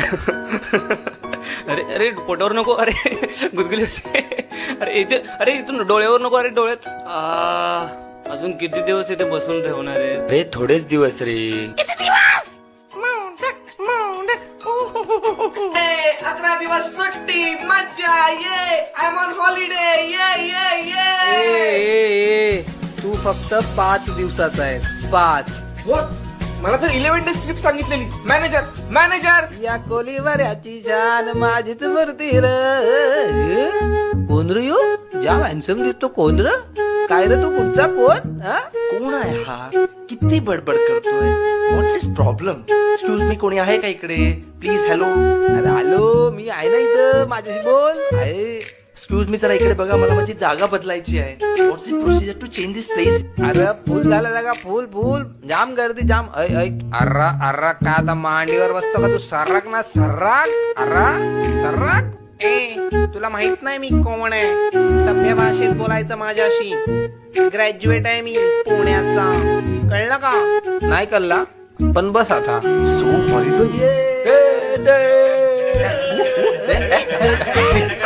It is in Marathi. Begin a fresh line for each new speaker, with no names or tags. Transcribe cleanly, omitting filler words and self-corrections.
अरे अरे पोटावर नको, अरे गुदगुली होते. अरे इथे, अरे इथून डोळ्यावर नको, अरे डोळ्यात. अजून किती दिवस इथे बसून ठेवणार आहे रे? थोडेच दिवस रे.
11 दिवस सुट्टी, मज्जा, ये आय एम ऑन हॉलिडे, ये.
तू फक्त 5 दिवसाचा आहेस, 5.
व्हॉट? मला तर 11 डेज ट्रिप सांगितलेली. मॅनेजर
या कोलीवाऱ्याची शान माझीच मूर्ती र. कोण रे यो? ज्या हॅन्सम दिसतो. कोण र? काय रे तू? कुठचा कोण? हा?
कोण आहे हा? किती बडबड करतोय? What's is problem? Excuse me, कोणी आहे का इकडे? प्लीज. हॅलो.
अरे हॅलो, मी आहे ना इथं, माझ्याशी बोल. आहे.
एक्सक्यूज मी, जरा इकडे बघा, मला माझी जागा बदलायची आहे. What's is procedure to change this place?
अरे फुल झाला जागा, फुल जाम गर्दी, जाम. अर्रा का आता मांडीवर बसतो का तू? सर्राक ना सर्राक. सर्राक. तुला माहित नाही मी कोण आहे? सभ्य भाषेत बोलायचं माझ्याशी. ग्रॅज्युएट आहे मी पुण्याचा. कळलं का? नाही कळला, पण बस आता.
So horrible.